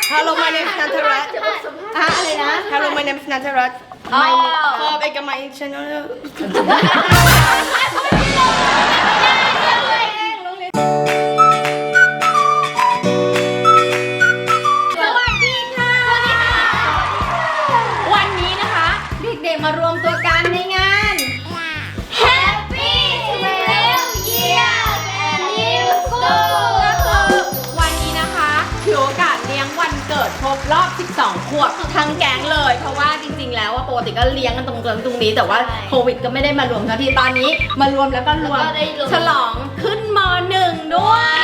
Hello my name is Nantarat อะไรนะ Hello my name is Nantarat my Bob Eka my channel วันนี้นะคะเด็กๆมารวมตัวกันในงาน Happy 12 years at New School ก็คือวันนี้นะคะถือโอกาสเลี้ยงวันเกิดครบรอบ 12 ขวบทั้งแก๊งเลย เพราะว่าจริงๆแล้วปกติก็เลี้ยงกันตรงนี้แต่ว่าโควิดก็ไม่ได้มารวมกันที่ตอนนี้มารวมแล้วก็รวมฉลองขึ้นม.1 ด้วย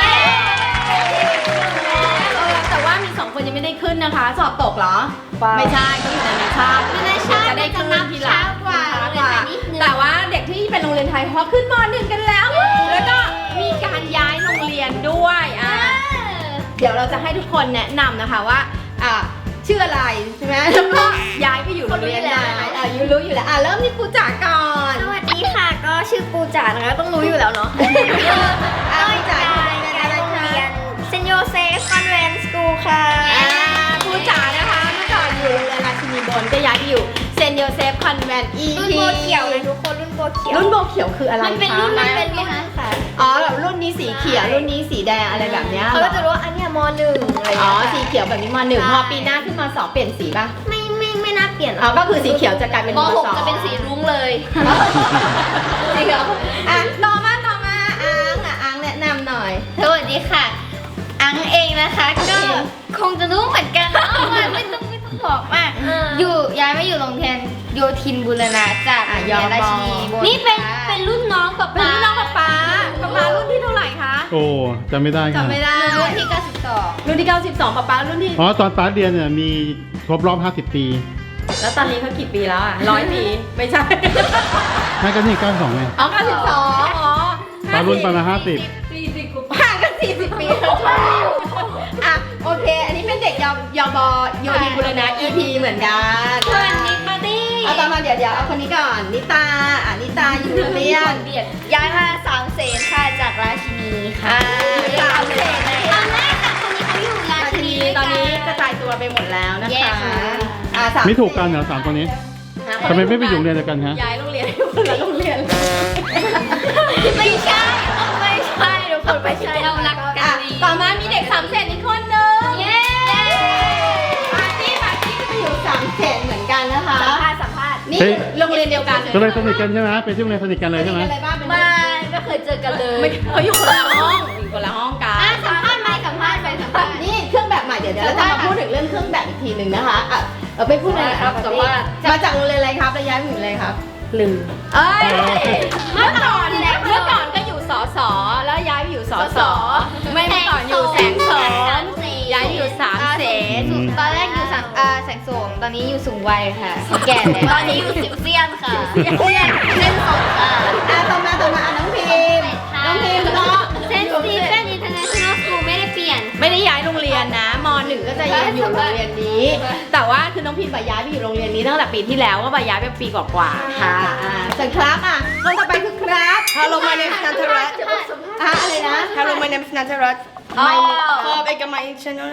แต่ว่ามี2 คนยังไม่ได้ขึ้นนะคะสอบตกเหรอไม่ใช่ก็อยู่ในนานาชาติจะได้ขึ้นทีหลังแต่ว่าเด็กที่เป็นโรงเรียนไทยเขาขึ้นม.1 กันแล้วแล้วก็มีการย้ายโรงเรียนด้วยเดี๋ยวเราจะให้ทุกคนแนะนำนะคะว่าชื่ออะไรใช่ไหมแล้วก็ย้ายไปอยู่โรงเรียนไหนยูรู้อยู่แล้วเริ่มที่ปูจ๋าก่อนสวัสดีค่ะก็ชื่อปูจ๋านะคะต้องรู้อยู่แล้วเนาะปูจ๋าอะไรคะเรียนเซนโยเซฟคอนแวนต์สคูลค่ะปูจ๋านะคะเมื่อก่อนอยู่โรงเรียนราชินีบนก็ย้ายไปอยู่เซนโยเซฟคอนแวนต์ EP รุ่นโบเขียวเลยทุกคนรุ่นโบเขียวรุ่นโบเขียวคืออะไรคะมันเป็นรุ่นค่ะอ๋อแบบรุ่นนี้สีเขียวรุ่นนี้สีแดงอะไรแบบเนี้ยเขาก็จะรู้ว่าอันเนี้ยม.1อะไรอ๋อเงี้ยสีเขียวแบบนี้ม.1พอปีหน้าขึ้นม.2เปลี่ยนสีป่ะไม่น่าเปลี่ยนอ๋อก็คือสีเขียวจะกลายเป็นม.2 จะเป็นสีรุ้งเลยจริงเหรอต่อมาอังแนะนำหน่อยสวัสดีค่ะ อังเองนะคะก็คงจะรู้เหมือนกันนะว่าไม่ต้องบอกมากย้ายมาอยู่โรงเรียนโยธินบูรณะจากโรงเรียนราชินีบนนี่เป็นรุ่นน้องกับเป็นรุ่นน้องป๊ารุ่นที่เท่าไหร่คะโอ้จำไม่ได้ค่ะจำไม่ได้รุ่นที่92 รุ่นที่92ป๊ารุ่นที่อ๋อตอนป้าเรียนเนี่ยมีครบรอบ 50 ปีแล้วตอนนี้เขากี่ปีแล้ว100 ปีไม่ใช่นั่นก็นี่92ไงอ๋อ92อ๋อป้ารุ่นประมาณ50 40 กว่าห่างกัน40 ปีแล้วโอเค อันนี้เป็นเด็กยบโยธินบุรณะ EP เหมือนกันสวัสดีปาร์ตี้เอาต่อมาเดี๋ยวเอาคนนี้ก่อนนิตานิตาอยู่โรงเรียนย้ายมา3 เสนค่ะจากราชินีค่ะ3 เสนเลยตอนแรกค่ะคนนี้เขาอยู่ราชินีตอนนี้กระจายตัวไปหมดแล้วนะคะสามไม่ถูกกันเหรอ3 คนนี้ทำไมไม่ไปอยู่โรงเรียนเดียวกันฮะย้ายโรงเรียนให้คนละโรงเรียนไม่ใช่ทุกคนไม่ใช่เรารักกันดีต่อมามีเด็ก3 เสนอีกคนนึงเย้ปาร์ตี้ก็ไปอยู่3 เสนเหมือนกันนะคะสัมภาษณ์นี่โรงเรียนเดียวกันก็เลยสนิทกันใช่ไหมเป็นที่โรงเรียนสนิทกันเลยใช่ไหมอะไรบ้างเป็นไม่เคยเจอกันเลยเขาอยู่คนละห้องกันสัมภาษณ์นี่เครื่องแบบใหม่เดี๋ยวเราจะมาพูดถึงเรื่องเครื่องแบบอีกทีหนึ่งนะคะไปพูดเลยครับแต่ว่ามาจากโรงเรียนอะไรครับแล้วย้ายมาอยู่อะไรครับลืมเมื่อก่อนก็อยู่สสแล้วย้ายไปอยู่สสไม่เมื่อก่อนอยู่แสงโสมย้ายอยู่3 เสนตอนแรกอยู่แสงโสมตอนนี้อยู่สูงวัยค่ะแก่แล้วตอนนี้อยู่สิบเซียนค่ะเส้นสดค่ะต่อมาน้องพิมก็เซนต์สตีเฟนอินเตอร์เนชั่นแนลสคูลไม่ได้เปลี่ยนไม่ได้ย้ายโรงเรียนนะม.1 ก็จะยังอยู่โรงเรียนนี้ แต่ว่าคือน้องพิมย้ายไปอยู่โรงเรียนนี้ตั้งแต่ปีที่แล้วก็ย้ายไปปีกว่าๆค่ะส่วนครับคนต่อไปคือครับ Hello my name is Nantarat อะไรนะ Hello my name is Nantarat my Bob Eka my channel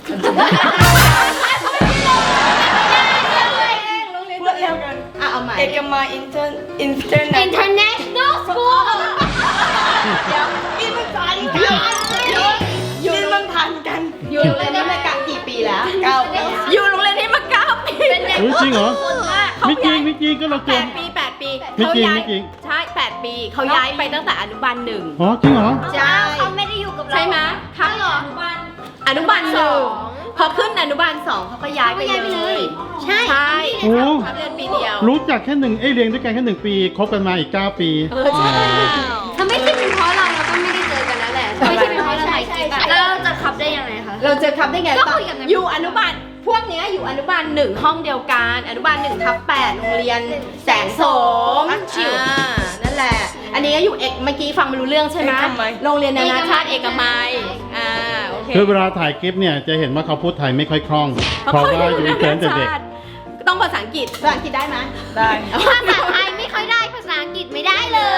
พูดเร็วกันเอาใหม่ Eka my International School เดี๋ยวนี่มันสายกันอยู่มันพันกันอยู่โรงเรียนนี้มากี่ปีแล้ว9 ปีอยู่โรงเรียนนี้มา9 ปีจริงเหรอไม่จริงก็เราเจอ 8 ปีไม่จริงใช่8 ปีเขาย้ายไปตั้งแต่อนุบาล1 อ๋อจริงเหรอใช่เขาไม่ได้อยู่กับเราใช่ไหมครับอนุบาล1พอขึ้นอนุบาล2เขาก็ย้ายไปเลยใช่โอ้เขาเรียนปีเดียวรู้จักแค่เรียนด้วยกันแค่1 ปีคบกันมาอีก9 ปีใช่ถ้าไม่ใช่เป็นเพราะเราก็ไม่ได้เจอกันแล้วแหละไม่ใช่เป็นเพราะเราถ่ายคลิปอะแล้วเราจะขับได้ยังไงคะเราเจอครับได้ไงก็คุยกับในอยู่อนุบาลพวกเนี้ยอยู่อนุบาล1ห้องเดียวกันอนุบาล1/8โรงเรียนแสงโสมนั่นแหละ อันนี้ก็อยู่เมื่อกี้ฟังไม่รู้เรื่องใช่ไหมโรงเรียนนานาชาติเอกมัยโอเคคือเวลาถ่ายคลิปเนี่ยจะเห็นว่าเขาพูดไทยไม่ค่อยคล่อง เพราะว่าอยู่เกินแต่เด็กต้องภาษาอังกฤษได้ไหมได้ภาษาไทยไม่ค่อยได้ภาษาอังกฤษไม่ได้เลย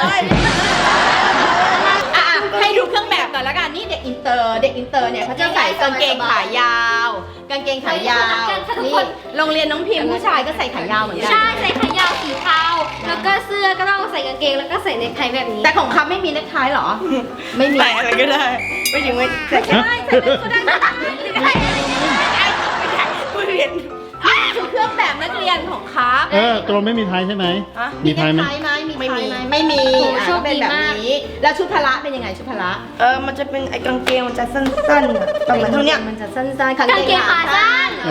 ให้ดูเครื่องแบบก่อนแล้วกันนี่เด็กอินเตอร์เนี่ยเขาจะใส่กางเกงขายาวกางเกงขายาวนี่โรงเรียนน้องพิมพ์ผู้ชายก็ใส่ขายาวเหมือนกัใช่ใส่ขายาวสีเทาแล้วก็เสื้อก็ต้องใส่กางเกงแล้วก็ใส่เนคไทแบบนี้แต่ของเขาไม่มีเนคไทหรอ ไม่มีใส่อะไรก็ได้ ไม่ถึงไม่ใส่ใช่ใส่เป็นก็ได้ผู้เรียนชุดเครื่องแบบนักเรียนของครับตัวไม่มีไทยใช่ไหมฮะมีไทยไหมไม่มีเป็นแบบนี้ แล้วชุดพละเป็นยังไงชุดพละมันจะเป็นไอ้กางเกงมันจะสั้นๆอะประมาณเท่าเนี้ยมันจะสั้นๆกางเกงขาสั้น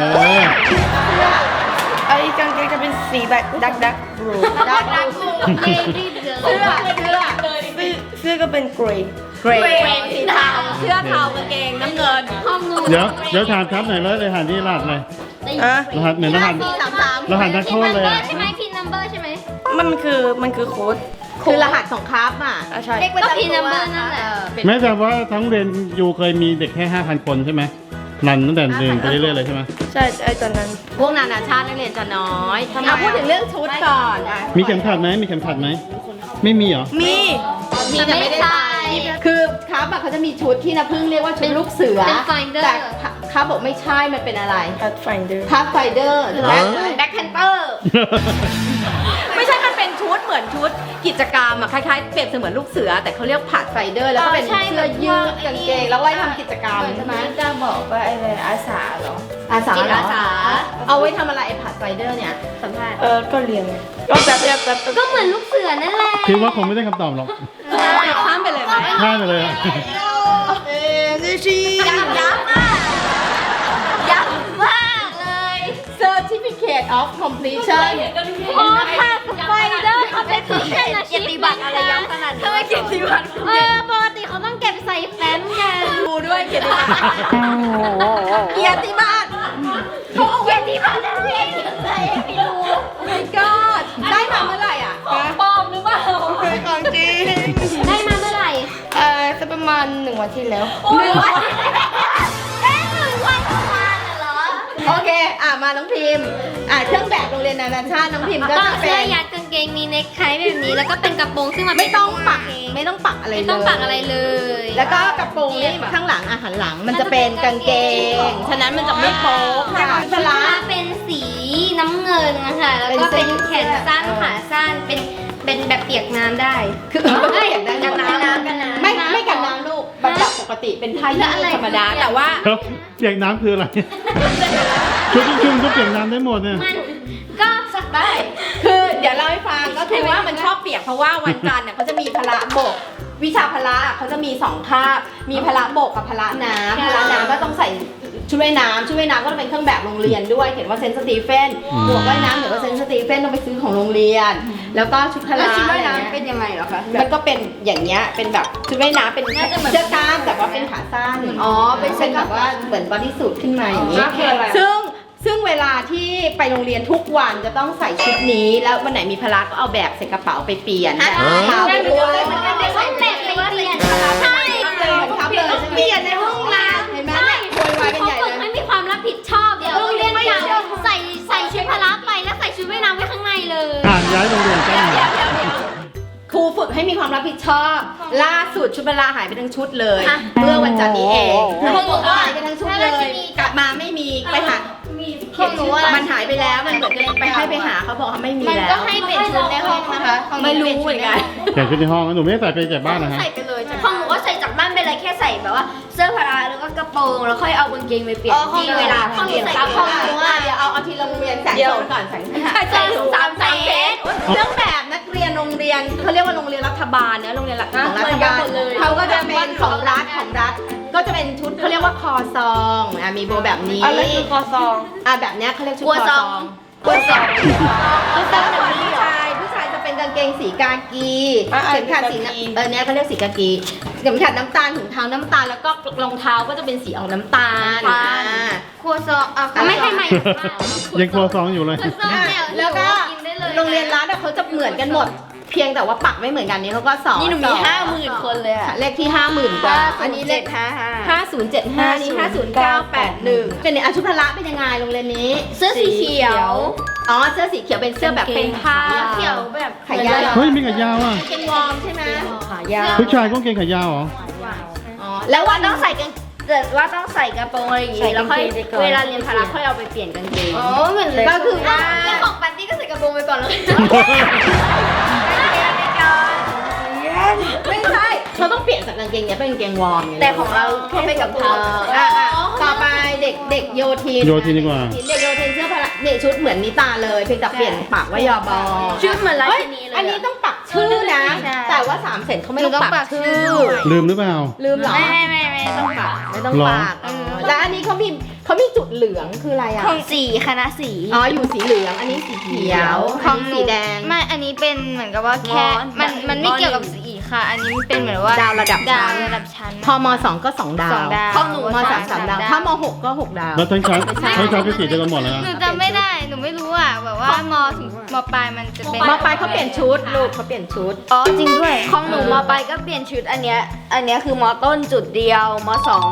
ไอ้กางเกงจะเป็นสีแบบดักบลูดักเกงรีบเลยเสื้อก็เป็นเกรย์เกรย์สีเทาเสื้อเทากางเกงน้ำเงินห้องนู้นเดี๋ยวถามครับหน่อยเลยรหัสนี่รหัสอะไรอ่ะรหัสเหมือนรหัส 433 รหัสนักโทษเลยใช่ไหมพินนัมเบอร์ใช่ไหมมันคือโค้ดคือรหัสของครับอ่ะใช่ก็พินนัมเบอร์นั่นแหละแม้แต่ว่าทั้งเรียนอยู่เคยมีเด็กแค่ 5,000 คนใช่ไหมรันตั้งแต่หนึ่งไปเรื่อยๆเลยใช่ไหมใช่ไอ้ตอนนั้นพวกนานาชาตินักเรียนจะน้อยพูดถึงเรื่องชุดก่อนอ่ะมีเข็มขัดไหมมีเข็มขัดไหมไม่มีเหรอมีมีแต่ไม่ได้ใส่คือครับอะเขาจะมีชุดที่นะพึ่งเรียกว่าชุดลูกเสือเป็น Finder แต่ครับบอกไม่ใช่มันเป็นอะไร Pathfinder พาไฟเดอร์แบ็คแพนเตอร์ไม่ใช่มันเป็นชุดเหมือนชุดกิจกรรมอะคล้ายๆเปรียบเสมือนลูกเสือ แต่เขาเรียกผาดไฟเดอร์แล้วก็เป็นเสื้อยืดกางเกงแล้วไว้ทำกิจกรรมใช่ไหมจะบอกว่าอะไรอาสาเหรออาสาจิตเหรออาสาเอาไว้ทำอะไรไอ้ผาดไฟเดอร์เนี่ยสัมภาษณ์ก็เรียนก็แบบก็เหมือนลูกเสือนั่นแหละคิดว่าคงไม่ได้คำตอบหรอกข้ามไปเลยไหมพลาดไปเลยอะย้ำมากยับมากเลย Certificate of Completion โอ้ค่ะสไปเดอร์เขาเป็นผู้เชี่ยวชาญเกียรติบัตรอะไรย้ำขนาดนี้ทำไมเกียรติบัตรปกติเขาต้องเก็บใส่แฟ้มกันดูด้วยเกียรติบัตรเกียรติบัตรเขาเอาเกีไว้ยรติบัตรนักเรียนเก็บใส่ให้ไปดู my god ได้มาเมื่อไหร่อ่ะปลอมหรือเปล่าของจริงได้มาเมื่อไหร่จะประมาณ1 วันที่แล้ว 1 วัน1 วันประมาณเหรอโอเค มาน้องพิมพ์ เครื่องแบบโรงเรียนนานาชาติน้องพิมพ์ก็ก็จะเป็เสื้อน ยัดกางเกงมีเนคไทแบบนี้แล้วก็เป็นกระโปรงซึ่งมันไม่ต้องปักไม่ต้องปักอะไรเลยไม่ต้องปักอะไรเลยแล้วก็กระโปรงนี่ข้างหลังหันหลังมันจะเป็นกางเกง ฉะนั้นมันจะไม่โป๊ะค่ะชุดพละเป็นสีน้ำเงินนะคะแล้วก็เป็นแขนสั้นขาสั้นเป็นแบบเปียกน้ำได้คือไม่เห็นได้กันน้ำกันน้ำไม่กันน้ำลูกแบบปกติเป็นผ้ายืดธรรมดาแต่ว่าครับเปียกน้ำคืออะไร ชุดชุ่มๆก็เปียกน้ำได้หมดเนี่ยมันก็สักได้คือเดี๋ยวเล่าให้ฟังก็คือว่ามันชอบเปียกเพราะว่าวันจันทร์เนี่ยเขาจะมีพละบกวิชาพละเขาจะมี2คาบมีพละบกกับพละน้ำพละน้ำก็ต้องใส่ชุดว่ายน้ำชุดว่ายน้ำก็จะเป็นเครื่องแบบโรงเรียนด้วยเขียนว่าเซนต์สตีเฟนหมวกว่ายน้ำเขียนว่าเซนต์สตีเฟนต้องไปซื้อของโรงเรียน แล้วก็ชุดพละเป็นยังไงเหรอคะมันก็เป็นอย่างเงี้ยเป็นแบบชุดว่ายน้ำเป็นเสื้อกล้ามแต่ว่าเป็นขาสั้นเป็นแบบว่าเหมือนบอดี้สูทขึ้นมาอย่างนี้ซึ่งเวลาที่ไปโรงเรียนทุกวันจะต้องใส่ชุดนี้แล้ววันไหนมีพละก็เอาแบบใส่กระเป๋าไปเปลี่ยนเท้าไปด้วยมันก็ไม่ใช่แบบไปเปลี่ยนใช่ครับเลยเปลี่ยนในห้องน้ำเห็นไหมโวยวายกันเขาใหญ่ฝึกเลยไม่มีความรับผิดชอบเดี๋ยวโรงเรียนจะใส่ชุดพละไปแล้วใส่ชุดว่ายน้ำไว้ข้างในเลยย้ายโรงเรียนกันหน่อยครูฝึกให้มีความรับผิดชอบ ล่าสุดชุดเวลาหายไปทั้งชุดเลย เมื่อวันจันทร์นี้เองเขาบอกว่าหายไปทั้งชุดเลย กลับมาไม่มีไปหาของหนูอะมันหายไปแล้วมันเหมือนกันไปให้ไปหาเขาบอกเขาไม่มีมันแล้วก็ให้เป็นชุดในห้องนะคะไม่รู้เหมือนกันแต่ชุดในห้องหนูไม่ได้ใส่ไปจากบ้านนะฮะใส่ไปเลยของหนูก็ใส่จากบ้านไปเลยแค่ใส่แบบว่าเสื้อพละแล้วก็กระโปรงแล้วค่อยเอากางเกงไปเปลี่ยนที่เวลาเปลี่ยนตามห้องหนูอะเดี๋ยวเอาทีละโรงเรียนแสงโซนก่อนแสงเรื่องแบบนักเรียนโรงเรียนเขาเรียกว่าโรงเรียนรัฐบาลเนอะโรงเรียนของรัฐบาลเขาก็จะเป็นของรัฐก็จะเป็นชุดเขาเรียกว่าคอซองมีโบแบบนี้อะไรคือคอซองแบบเนี้ยเขาเรียกชุดคอซองกลัวสองชุดซองเป็นผู้ชายจะเป็นกางเกงสีกากีเข็มขัดสีเนี้ยเขาเรียกสีกากีเข็มขัดน้ำตาลถุงเท้าน้ำตาลแล้วก็รองเท้าก็จะเป็นสีออกน้ำตาลครัวซองไม่ให้ใหม่ยังครัวซองอยู่เลยแล้วก็โรงเรียนรัฐเขาจะเหมือนกันหมด เพียงแต่ว่าปักไม่เหมือนกันนี้เขาก็สอนนี่หนูมี 50,000 คนเลยอะเลขที่ 50,000กว่าอันนี้เลข5075นี่50981เป็นชุดพละเป็นยังไงโรงเรียนนี้เสื้อสีเขียวเสื้อสีเขียวเป็นเสื้อแบบเป็นผ้าเขียวแบบขายาวเฮ้ยมีขายาวอ่ะเป็นวอร์มใช่ไหมขายาวผู้ชายก็เกงขายาวเหรอแล้ววันต้องใส่กางแต่ว่าต้องใส่กระโปรงอะไรอย่างงี้แล้วค่อยเวลาเรียนพละค่อยเอาไปเปลี่ยนกางเกงอ๋อเหมือนก็คือว่าแล้วของปาร์ตี้ก็ใส่กระโปรงไปก่อนเลยไม่ใช่เขาต้องเปลี่ยนจากกางเกงเนี้ยเป็นกางเกงวอร์มไแต่ของเราแค่เป็นกระโปรงต่อไปเด็กโยทินโยทินดีกว่าเด็กโยทินเสื้อพละเนี่ยชุดเหมือนนิตาเลยเพียงแต่เปลี่ยนปากว่ายอบอชุดเหมือนราชินีเลยอันนี้ต้องปักชื่อนะใช่แต่ว่า3เซนเขาไม่ต้องปักชื่อลืมหรือเปล่าลืมเหรอไม่ต้องปากไม่ต้องหรอปักแล้วอันนี้เขามีจุดเหลืองคืออะไรอ่ะของสีคณะสีอ๋ออยู่สีเหลืองอันนี้สีเขียวอันนี้สีแดงไม่อันนี้เป็นเหมือนกับว่าแค่มันไม่เกี่ยวกับสีค่ะ อันนี้มันเป็นเหมือนว่าดาวระดับชั้นดาวระดับชั้นพอม2ก็2ดาวสองดาวพอหนูม3 ดาว ถ้าม6ก็6 ดาวแล้วทั้งชั้นเป็นสีเดียวกันหมดเลยนะหนูจำไม่ได้ หนูไม่รู้อ่ะแบบว่ามถึงมปลายมันจะเป็นมปลายเขาเปลี่ยนชุดลูกเขาเปลี่ยนชุดอ๋อจริงด้วยของหนูมปลายก็เปลี่ยนชุดอันเนี้ยคือมต้นจุดเดียวม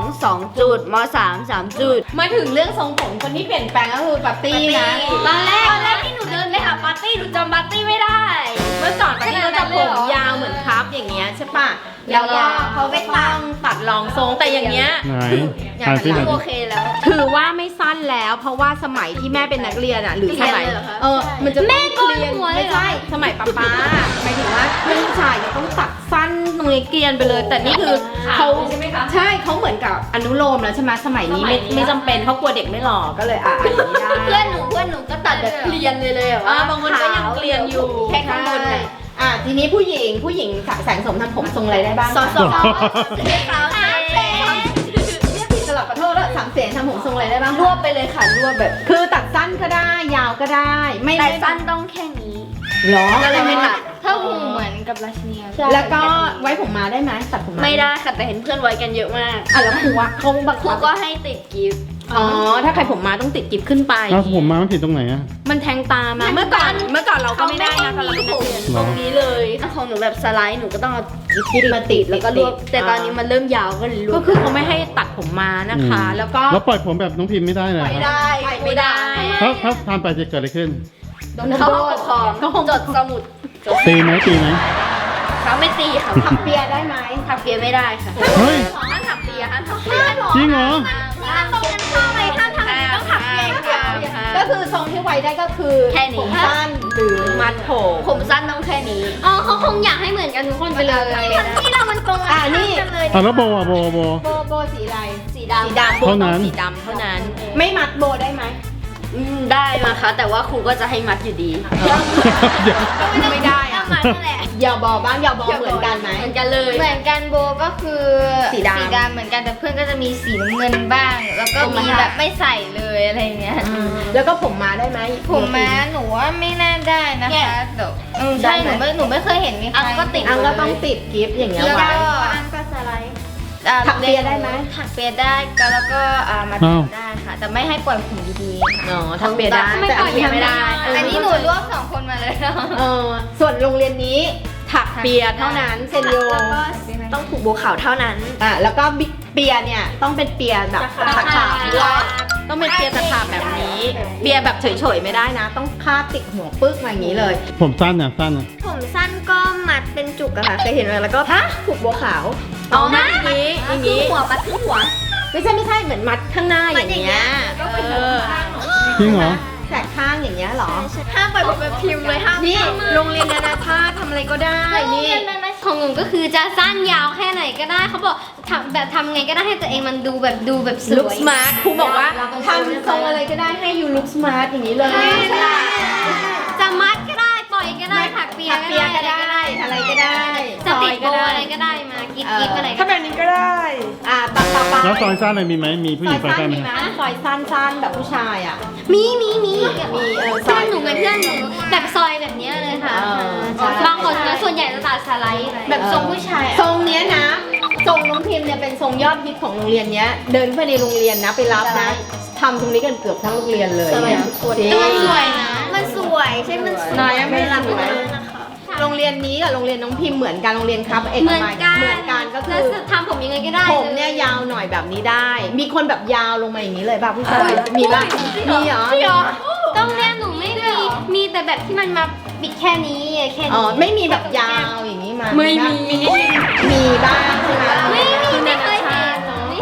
2 จุดม3 จุดมาถึงเรื่องทรงผมคนที่เปลี่ยนแปลงก็คือปาร์ตี้นะตอนแรกที่หนูเดินไปหาปาร์ตี้หนูจำปาร์ตี้ไม่ได้เมื่อก่อนปาร์ตี้ก็จะผมยาวเหมือนครับอย่างเงี้ยใช่ปะแล้วก็เขาไปตัดรองทรงแต่อย่างเงี้ยไหนอ่านสิหน่อยโอสิเคแล้วถือว่าไม่สั้นแล้ว เพราะว่าสมัยที่แม่เป็นนักเรียนอ่ะหรือสมัยเรียนเลยเหรอคะมันจะแม่โกนเรียนหัวเลยไม่เหรอใช่สมัยป๊าหมายถึงว่าเพื่อนผู้ชายจะต้องตัดสั้นตรงนี้เกรียนไปเลย แต่นี่คือเขาใช่ไหมคะใช่เขาเหมือนกับอนุโลมแล้วใช่ไหมสมัยนี้ไม่จำเป็นเขากลัวเด็กไม่หล่อก็เลยอย่างนี้ได้เพื่อนหนูก็ตัดแบบเกลียนเลยอะบางคนก็ยังเกลียนอยู่แค่ข้างบนเลยทีนี้ผู้หญิงแสงสมทำผมทรงอะไรได้บ้างสอเรียกผิดตลอดขอโทษแล้ว3 เสียงทำผมทรงอะไรได้บ้างรวบไปเลยค่ะรวบแบบคือตัดสั้นก็ได้ยาวก็ได้แต่สั้นต้องแค่นี้หรอก็เลยไม่ตัดถ้าหูเหมือนกับราชินีแล้วก็ไว้ผมมาได้ไหมตัดผมมาไม่ได้ค่ะแต่เห็นเพื่อนไว้กันเยอะมากแล้วครูอะเขาบังครูคับก็ให้ติดกิฟต์อ๋อถ้าใครผมมาต้องติดกิฟขึ้นไปแล้วผมมามันผิดตรงไหนอะมันแทงตามาเมื่อก่อนเราก็ไม่ได้นะตอนเราเป็นนักเรียนตรงนี้เลยของหนูแบบสไลด์หนูก็ต้องเอากิฟต์มาติดแล้วก็รวบแต่ตอนนี้มันเริ่มยาวก็เลยรวก็บคือเขาไม่ให้ตัดผมมานะคะ แล้วก็แล้วปล่อยผมแบบน้องพิมพ์ไม่ได้เลยไม่ได้ไม่ได้ถ้าทำไปจะเกิดอะไรขึ้นโดนเขาปกครองจดสมุดตีไหมเขาไม่ตีค่ะถักเปียได้ไหมถักเปียไม่ได้ค่ะเฮ้ยห้ามถักเปียห้ามถักเปียจริงเหรอห้ามตรงกันข้ามเลยห้ามทำอะไรต้องถักเปียค่ะก็คือทรงที่ไว้ได้ก็คือแค่นี้ผมสั้นหรือมัดผมผมสั้นต้องแค่นี้อ๋อเขาคงอยากให้เหมือนกันทุกคนไปเลยที่เรามันตรงนี่กันเลยอ่ะแล้วโบอ่ะโบโบสีอะไรสีสีดำดำโบเท่าต้นั้องนสีดำเท่านั้น ไม่มัดโบได้ไหมได้มาคะแต่ว่าครูก็จะให้มัดอยู่ดีเดี๋ยวไม่ได้อะมัดนั่นแหละยาวบอบ้างยาวบอเหมือนกันไหมเหมือนกันเลยเหมือนกันโบก็คือสีดำเหมือนกันแต่เพื่อนก็จะมีสีน้ำเงินบ้าง แล้วก็มีแบบไม่ใส่เลยอะไรเงี้ยแล้วก็ผมมาได้ไหมผมม้าหนูว่าไม่น่าได้นะคะเดี๋ยวใช่หนูไม่เคยเห็นมีใครอังก็ติดอังก็ต้องติดกิฟต์อย่างเงี้ยแล้วไว้ก็อันก็สไลด์ถักเปียได้ไหมถักเปียได้ก็แล้วก็มาตัดได้ค่ะ แต่ไม่ให้ปล่อยผมดีๆค่ะอ๋อทำเปียได้แต่อันนี้ไม่ได้อันนี้หนูรวบ2 คนมาเลยส่วนโรงเรียนนี้ถักเปียเท่านั้นเซนโยต้องผูกบัวขาวเท่านั้นแล้วก็เปียเนี่ยต้องเป็นเปียแบบตะขาบด้วยต้องเป็นเปียตะขาบแบบนี้ เปียแบบเฉยๆไม่ได้นะ ต้องคาดติดหัวปึ๊กมาอย่างนี้เลยผมสั้นอ่ะสั้นอ่ะผมสั้นก็มัดเป็นจุกอะค่ะเคยเห็นไหมแล้วก็ผูกบัวขาวอ๋อมัดอย่างนี้อย่างนี้หัวมัดที่หัวไม่ใช่เหมือนมัดข้างหน้าอย่างเงี้ยจริงเหรอแสกข้างอย่างเงี้ยเหรอห้ามปล่อยผมแบบพิมพ์เลยห้ามนี่โรงเรียนนานาชาติทำอะไรก็ได้นี่ของหนูก็คือจะสั้นยาวแค่ไหนก็ได้เขาบอกทำไงก็ได้ให้ตัวเองมันดูแบบสลุควยสมาร์ทครูบอกว่าทำทรงอะไรก็ได้ให้ยูลุคสมาร์ทอย่างนี้เลยจะมัดก็ได้ปล่อยก็ได้ถักเปียถักเปียก็ได้อะไรก็ได้จะติดโบซอยอะไรก็ได้มากิ๊บอะไรถ้าแบบนี้ก็ได้ต่อไปแล้วซอยสั้นอะไรมีไหมมีผู้หญิงซอยสั้นไหมซอยสั้นแบบผู้ชายอ่ะมีมีซเพื่ออย นหนูเป็นเพื่อนหนูแบบซอยแบบเนี้ยเลยค่ะใช่บางคนนะส่วนใหญ่จะตัดสไลด์แบบทรงผู้ชายทรงเนี้ยนะทรงน้องพิมเนี่ยเป็นทรงยอดฮิตของโรงเรียนเนี้ย เดินไปในโรงเรียนนะไปรับนะทำตรงนี้กันเกือบทั้งโรงเรียนเลยเนี่ยแต่มันสวยนะมันสวยใช่มันสวยนายไม่รับเลเลยยนะคะโรงเรียนนี้กับโรงเรียนน้องพิมเหมือนกันโรงเรียนครับเอกเหมือนมัยกันเหมือนกันก็คืแล้วอจะทำผมยังไงก็ได้ผมเนี่ยยาวหน่อยแบบนี้ได้ มีคนแบบยาวลงมาอย่างนี้เลยป่ะผู้ชายมีป่ะมีเหรอต้องเรียนหนูไม่มีแต่แบบที่มันมาปิดแค่นี้แค่อ๋อนี้ไม่มีแบบยาวอย่างนี้มาไม่มีมีบ้างใช่ไหมไม่เคยเห็น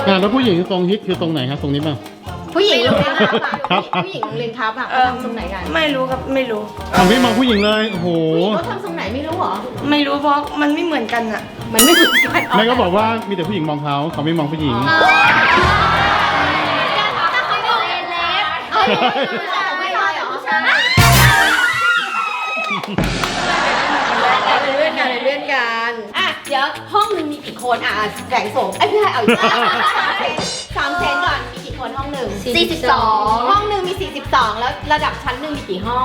แล้วผู้หญิงตรงฮิตคือตรงไหนครับตรงนี้ป่ะผู้หญิงโรงเรียนทับอ่ะครับผู้หญิงโรงเรียนทับอ่ะเออเขาทำทรงไหนกันไม่รู้ครับไม่รู้เอาไม่มองผู้หญิงเลยโอ้โหเขาทำทรงไหนไม่รู้เหรอไม่รู้เพราะมันไม่เหมือนกันอะมันไม่เหมือนกันแม่ก็บอกว่ามีแต่ผู้หญิงมองเขาไม่มองผู้หญิงถ้าเขาบอกเอเลฟไม่ใช่เหรอใช่เลื่อนกันเลื่อนกันอ่ะเดี๋ยวห้องนึงมีกี่คนอ่ะแสงโสมไอ้พี่ให้เอาอีก3 เซนก่อนมีกี่คนห้องหนึ่ง 42 ห้องหนึ่งมี 42 แล้วระดับชั้นหนึ่งมีกี่ห้อง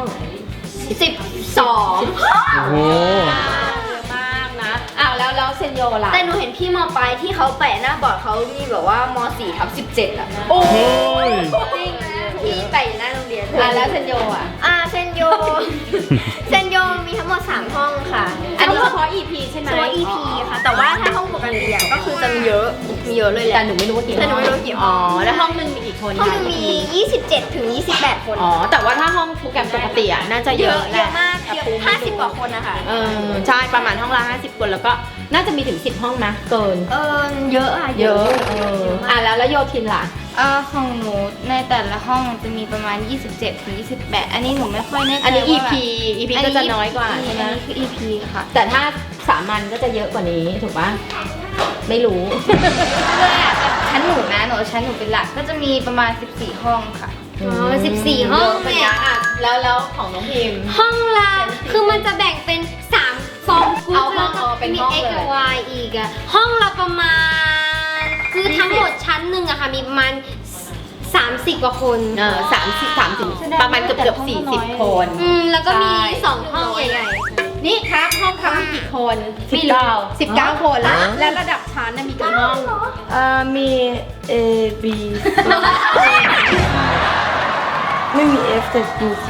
12 โอ้โหเยอะมากนะอ้าวแล้วเซนโยล่ะแต่หนูเห็นพี่มปลายที่เขาแปะหน้าบอร์ดเขามีแบบว่าม4/17อ่ะโอ้โอ้ยจริงที่แปะอยู่หน้าโรงเรียนอ่ะแล้วเซนโยอ่ะเซนโย เซนโยมีทั้งหมด3ห้องค่ะอันนี้เฉพาะ EP ใช่ไหมตัว EP ค่ะ แต่ว่าถ้าห้องปกติอ่ะก็คือจะมีเยอะเลยแหแต่ละหนูไม่รู้ว่ากี่แต่หนูไม่รู้กี่ห้อ๋ออง แล้วห้องหนึ่งมีกี่คนห้องหนึงมี 27 ถึง 28 คนอ๋อแต่ว่าถ้าห้องโปรแกรมปกติอ่ะน่าจะเยอะแหเยละอะมากเยอะ50 กว่าคนนะคะใช่ประมาณห้องละ50 คนแล้วก็น่าจะมีถึง10 ห้องนะเกินเยอะอ่ะเยอะแล้วโยทินล่ะของหนูในแต่ละห้องจะมีประมาณ 27 ถึง 28 อันนี้หนูไม่ค่อยแน่ใจอันนี้ว่า EP EP ก็จะน้อยกว่าใช่ไหมอันนี้คือ EP ค่ะแต่ถ้าสามัญก็จะเยอะกว่านี้ถูกปะไม่รู้ชั้นหนูเป็นหลักก็จะมีประมาณ 14 ห้องค่ะ 14 ห้องเป็นเนี่ยอ่ะแล้วของน้องพิมพ์ห้องละคือมันจะแบ่งเป็น3ฟองกรุ๊เอาปห้องแล้วก็เป็นมีห้อง X เลยกับ Y อีกอะห้องละประมาณ คือทั้งหมดชั้นหนึ่งอะค่ะมีประมาณ30 กว่าคน 30ประมาณเกือบ40 คนแล้วก็มีใช่ 2 ห้องใหญ่นี่ครับห้องครับมีกี่คน19 คนแล้วระดับชั้นน่ะมีกี่ห้องมี A B ไม่มี F แต่มี G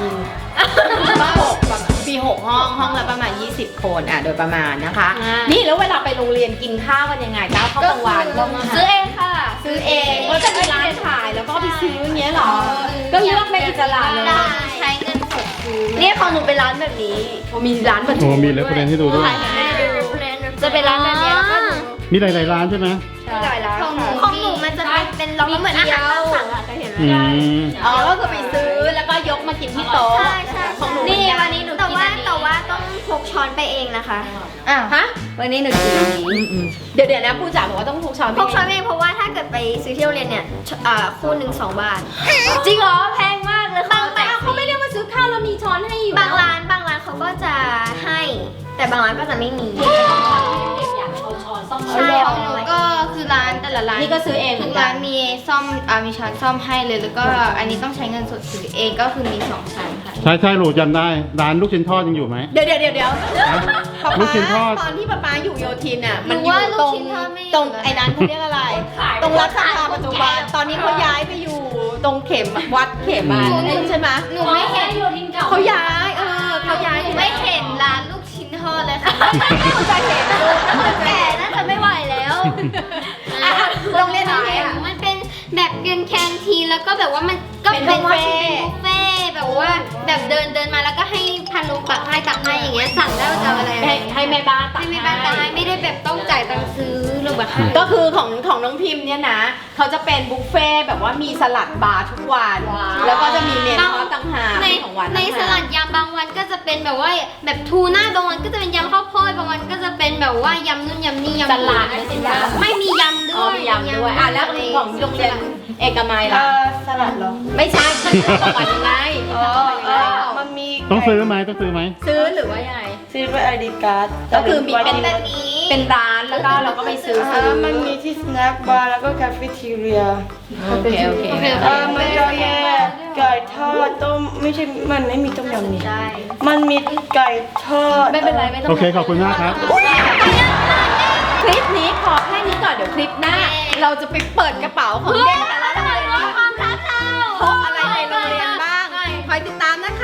ปี6ห้องละประมาณ20 คนโดยประมาณนะคะ นี่แล้วเวลาไปโรงเรียนกินข้าวกันยังไงข้าวกลางวันๆซื้อเองค่ะซื้อเองก็จะมีร้านขายแล้วก็ไปซื้ออย่างเงี้ยเหรอ ก็เลือกได้อิสระเลยได้ใช้เงินสดซื้อเนี่ยของหนูเป็นร้านแบบนี้มีร้านแบบโอ้มีเลยประเด็นให้ดูด้วยจะเป็นร้านแบบนี้แล้วก็หนูมีหลายๆร้านใช่ไหมหลายร้านของหนูมันจะเป็นเราเหมือนอาหารตามสั่งอะเคยเห็นไหมอืมก็คือไปซื้อแล้วก็ยกมากินที่โต๊ะใช่ของหนูนี่วันนี้หนูแต่กินว่าอันนี้ต้องพกช้อนไปเองนะคะฮะวันนี้หนูกินอันนี้เดี๋ยวนะผู้จ๋าบอกว่าต้องพกช้อนพกช้อนไปเองเพราะว่าถ้าเกิดไปซื้อที่โรงเรียนเนี่ยคู่หนึ่ง2 บาทจริงเหรอแพงมากเลยค่ะแต่เขาไม่เรียกว่าซื้อข้าวแล้วมีช้อนให้อยู่บางร้านเขาก็จะให้ แต่บางร้านก็จะไม่มีอยากเอาช้อนซ่อมใช่ของหนูก็คือร้านแต่ละร้านนี่ก็ซื้อเองเหมืทุอก นกัร้าน นมีซ่อมมีช้อนซ่อมให้เลยแล้วก็อันนี้ต้องใช้เงินสดซื้อเองก็คือมี2ชั้นค่ะใช่หลูจำได้ ร้านลูกชิ้นทอดยังอยู่ไหมเดี๋ยวลูกชิ้นทอดตอนที่ป๊าอยู่โยธินอ่ะหนูมันอยู่ว่าลูตกรงชิ้นทอดไม่อยู่ตรงแล้วไอ้ร้านเขาเรียกอะไร ตรงรัชดาปัจจุบันตอนนี้เขาย้ายไปอยู่ตรงเข็มวัดเข็มมาใช่ไหมหนูไม่เห็นเขาย้ายเขาย้ายหนูไม่เห็นร้านลูกชิ้นทอดเลยค่ะเขาจะเห็นดูแก่น่าจะไม่ไหวแล้วโรงเรียนไหนอ่ะมันเป็นแบบเป็นแคนทีนแล้วก็แบบว่ามันก็เป็นเป็นบุฟเฟ่ต์บุฟเฟ่ต์แบบว่าแบบเดินมาแล้วก็ให้พันลุงตักให้อย่างเงี้ยสั่งได้ว่าจะเอาอะไรให้แม่บ้านตักให้ไม่บ้านตักให้ไม่ได้แบบต้องจ่ายตังค์ซื้อหรือแบบให้ก็คือของน้องพิมพ์เนี่ยนะเขาจะเป็นบุฟเฟ่ต์แบบว่ามีสลัดบาร์ทุกวันแล้วก็จะมีเมนูต่างหากในของหวานในสลัดยำบางวันก็จะเป็นแบบว่าแบบทูน่าบางวันก็จะเป็นยำข้าวโพดบางวันก็จะเป็นแบบว่ายำนู่นยำนี่ยำสลัดไม่ใช่ยำไม่มียำด้วยมียำด้วยแล้วของโรงเรียนเอกมัยล่ะสลัดเหรอไม่ใช่ของหวานยังไงมันมีต้องซื้อไหมต้องซื้อไหมซื้อหรือว่ายังไงซื้อเป็นไอดีการ์ดก็คือมีเป็นแบบนี้เป็นร้านแล้วก็เราก็ไปซื้อมันมีที่สแน็คบาร์แล้วก็คาเฟ่ทีเรียโอเคมันจะมีไก่ทอดต้มไม่ใช่มันไม่มีต้มยำนี่มันมีไก่ทอดไม่เป็นไรไม่ต้องโอเคขอบคุณมากครับคลิปนี้ขอแค่นี้ก่อนเดี๋ยวคลิปหน้า เราจะไปเปิดกระเป๋าของเด็กแต่ละโรงเรียนว่าความลับเราพกอะไรในโรงเรียนบ้างคอยติดตามนะคะ